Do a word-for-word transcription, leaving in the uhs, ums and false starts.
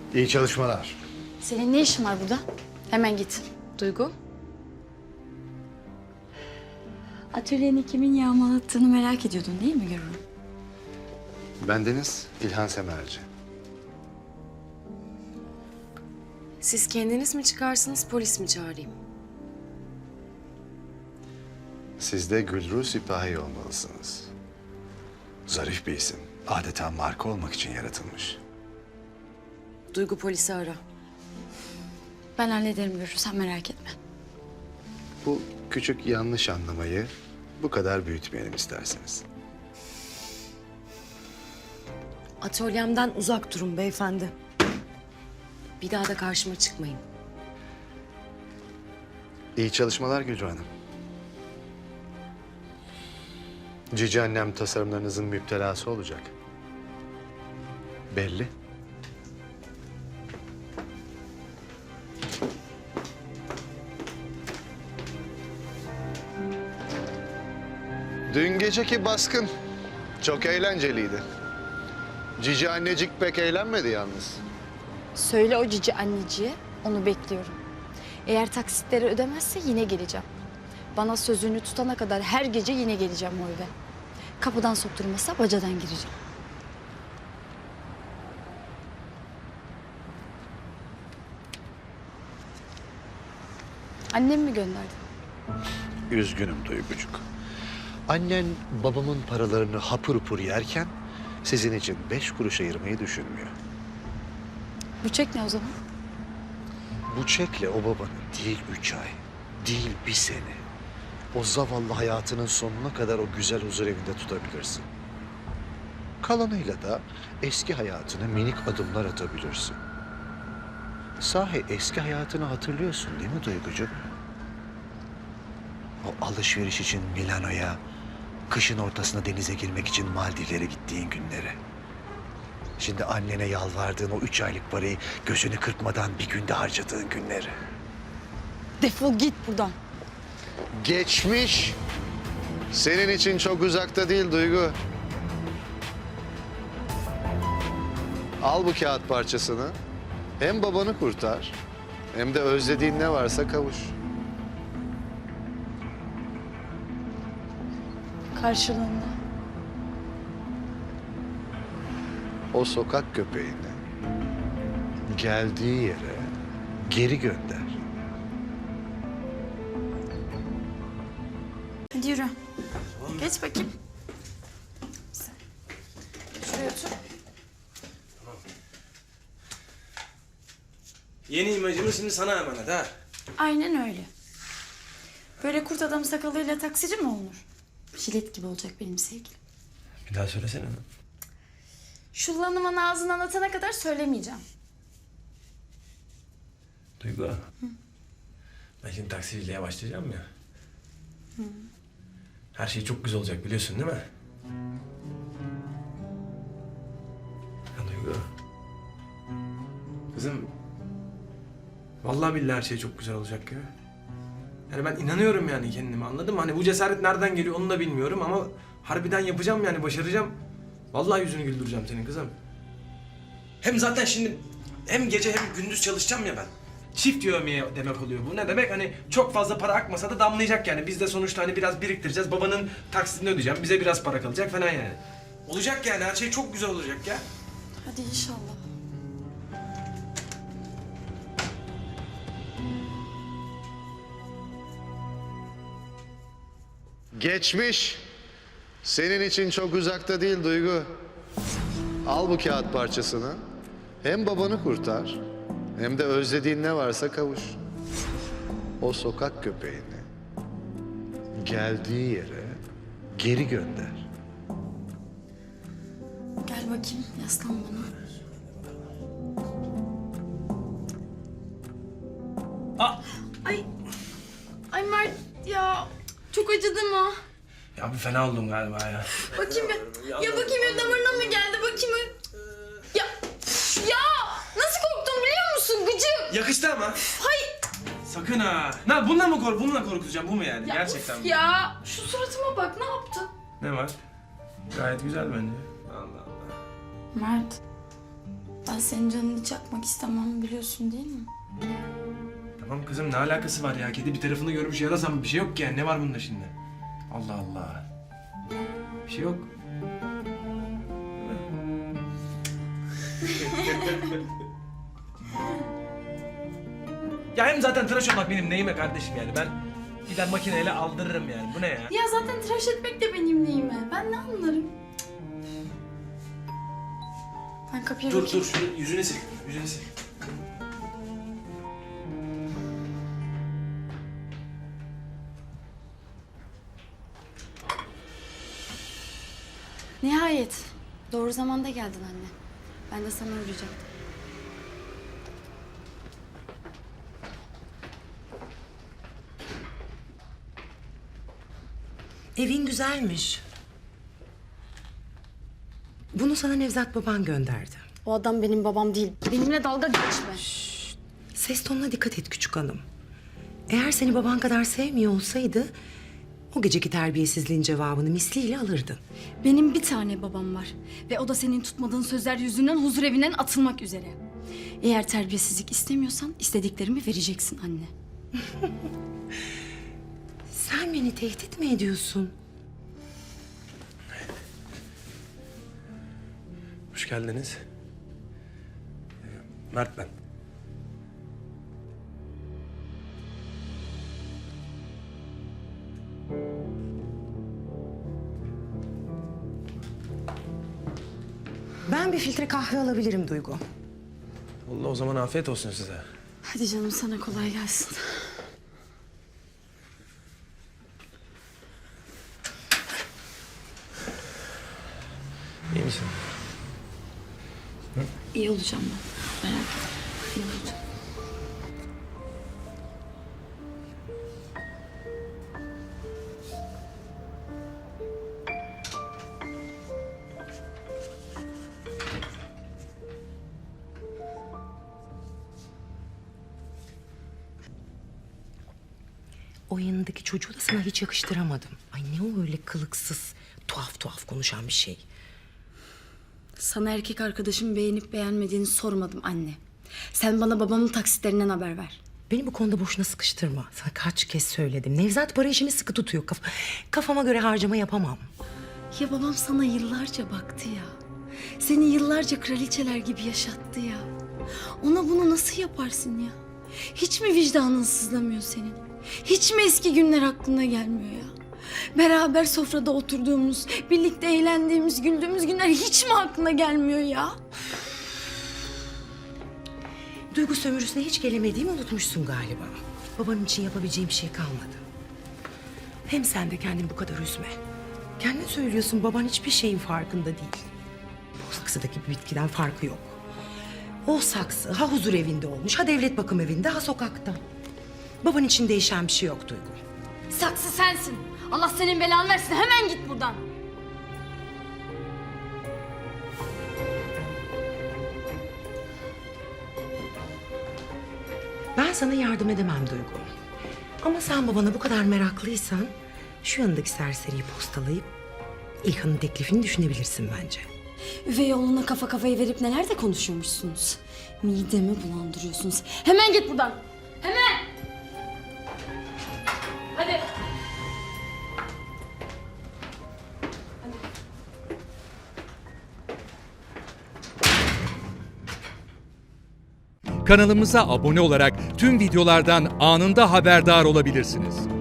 İyi çalışmalar. Senin ne işin var burada? Hemen git. Duygu? Atölyeni kimin yağmalattığını merak ediyordun değil mi Gürür? Bendeniz İlhan Semerci. Siz kendiniz mi çıkarsınız, polis mi çağırayım? Siz de Gülru Sipahi olmalısınız. Zarif bir isim. Adeta marka olmak için yaratılmış. Duygu polisi ara. Ben hallederim Gürür, sen merak etme. Bu küçük yanlış anlamayı bu kadar büyütmeyelim isterseniz. Atölyemden uzak durun beyefendi. Bir daha da karşıma çıkmayın. İyi çalışmalar Gülru Hanım. Cici annem tasarımlarınızın müptelası olacak. Belli. Dün geceki baskın çok eğlenceliydi. Cici annecik pek eğlenmedi yalnız. Söyle o cici anneciğe, onu bekliyorum. Eğer taksitleri ödemezse yine geleceğim. Bana sözünü tutana kadar her gece yine geleceğim o eve. Kapıdan sokturmazsa bacadan gireceğim. Annem mi gönderdi? Üzgünüm Duygucuk. Annen babamın paralarını hapur hapur yerken sizin için beş kuruş ayırmayı düşünmüyor. Bu çek ne o zaman? Bu çekle o babanı değil üç ay, değil bir sene, o zavallı hayatının sonuna kadar o güzel huzur evinde tutabilirsin. Kalanıyla da eski hayatına minik adımlar atabilirsin. Sahi eski hayatını hatırlıyorsun değil mi Duygucuğum? O alışveriş için Milano'ya, kışın ortasına denize girmek için Maldivlere gittiğin günleri. Şimdi annene yalvardığın o üç aylık parayı gözünü kırpmadan bir günde harcadığın günleri. Defol git buradan. Geçmiş. Senin için çok uzakta değil Duygu. Al bu kağıt parçasını. Hem babanı kurtar, hem de özlediğin ne varsa kavuş. Karşılığında. O sokak köpeğini geldiği yere geri gönder. Hadi yürü. Geç bakayım. Şuraya otur. Yeni imajımız şimdi sana emanet ha. Aynen öyle. Böyle kurt adam sakalıyla taksici mi olunur? Jilet gibi olacak benim sevgilim. Bir daha söylesene. Şu lanımın ağzından atana kadar söylemeyeceğim. Duygu. Hı. Ben şimdi taksiciliğe başlayacağım ya. Hı. Her şey çok güzel olacak biliyorsun değil mi? Ya Duygu. Kızım. Vallahi billahi her şey çok güzel olacak ya. Yani ben inanıyorum yani kendime, anladın mı? Hani bu cesaret nereden geliyor onu da bilmiyorum ama harbiden yapacağım yani, başaracağım. Vallahi yüzünü güldüreceğim senin kızım. Hem zaten şimdi hem gece hem gündüz çalışacağım ya ben. Çift yövmeye demek oluyor bu. Ne demek? Hani çok fazla para akmasa da damlayacak yani. Biz de sonuçta hani biraz biriktireceğiz. Babanın taksitini ödeyeceğim. Bize biraz para kalacak falan yani. Olacak yani, her şey çok güzel olacak ya. Hadi inşallah. Geçmiş. Senin için çok uzakta değil Duygu. Al bu kağıt parçasını. Hem babanı kurtar, hem de özlediğin ne varsa kavuş. O sokak köpeğini geldiği yere geri gönder. Gel bakayım, yaslan bana. Ah! Ay, ay Mert ya, çok acıdı mı? Ya bir fena oldum galiba ya. Bakayım bir, ya bakayım bir damarına mı geldi, bakayım bir. Ya, ya nasıl korktum biliyor musun gıcık? Yakıştı ama. Hay. Sakın ha. Ne bununla mı kork bununla korkutacağım, bu mu yani? Ya Gerçekten of mi? ya, şu suratıma bak, ne yaptın? Ne var? Gayet güzel bence. Allah Allah. Mert, Ben senin canını çakmak istemem, biliyorsun değil mi? Tamam kızım, ne alakası var ya? Kedi bir tarafını görmüş yarasam bir şey yok ki yani. Ne var bunda şimdi? Allah Allah. Bir şey yok. Ya hem zaten tıraş olmak benim neyime kardeşim yani. Ben gider makineyle aldırırım yani. Bu ne ya? Ya zaten tıraş etmek de benim neyime. Ben ne anlarım? Ben kapıya Dur bakayım. dur, şunu yüzüne sil. Yüzüne sil. Nihayet. Doğru zamanda geldin anne. Ben de sana uğrayacaktım. Evin güzelmiş. Bunu sana Nevzat baban gönderdi. O adam benim babam değil. Benimle dalga geçme. Ses tonuna dikkat et küçük hanım. Eğer seni baban kadar sevmiyor olsaydı... ...o geceki terbiyesizliğin cevabını misliyle alırdın. Benim bir tane babam var. Ve o da senin tutmadığın sözler yüzünden huzur evinden atılmak üzere. Eğer terbiyesizlik istemiyorsan istediklerimi vereceksin anne. Sen beni tehdit mi ediyorsun? Hoş geldiniz. Ee, Mert ben. Ben bir filtre kahve alabilirim Duygu. Allah, o zaman afiyet olsun size. Hadi canım, sana kolay gelsin. İyi misin? İyi olacağım ben. Merak etme. İyi olacağım. O yanındaki çocuğu da sana hiç yakıştıramadım. Ay ne o öyle kılıksız, tuhaf tuhaf konuşan bir şey. Sana erkek arkadaşım beğenip beğenmediğini sormadım anne. Sen bana babamın taksitlerinden haber ver. Beni bu konuda boşuna sıkıştırma. Sana kaç kez söyledim. Nevzat para işini sıkı tutuyor. Kaf kafama göre harcama yapamam. Ya babam sana yıllarca baktı ya. Seni yıllarca kraliçeler gibi yaşattı ya. Ona bunu nasıl yaparsın ya? Hiç mi vicdanın sızlamıyor senin? Hiç mi eski günler aklına gelmiyor ya? Beraber sofrada oturduğumuz, birlikte eğlendiğimiz, güldüğümüz günler hiç mi aklına gelmiyor ya? Duygu sömürüsüne hiç gelemediğimi unutmuşsun galiba. Babanın için yapabileceğim bir şey kalmadı. Hem sen de kendini bu kadar üzme. Kendin söylüyorsun, baban hiçbir şeyin farkında değil. Bu saksıdaki bir bitkiden farkı yok. O saksı ha huzur evinde olmuş, ha devlet bakım evinde, ha sokakta. Baban için değişen bir şey yok Duygu. Saksı sensin. Allah senin belanı versin. Hemen git buradan. Ben sana yardım edemem Duygu. Ama sen babana bu kadar meraklıysan... ...şu yanındaki serseriyi postalayıp... ...İlhan'ın teklifini düşünebilirsin bence. Üvey oğluna kafa kafayı verip neler de konuşuyormuşsunuz. Midemi bulandırıyorsunuz. Hemen git buradan. Hemen. Hadi. Kanalımıza abone olarak tüm videolardan anında haberdar olabilirsiniz.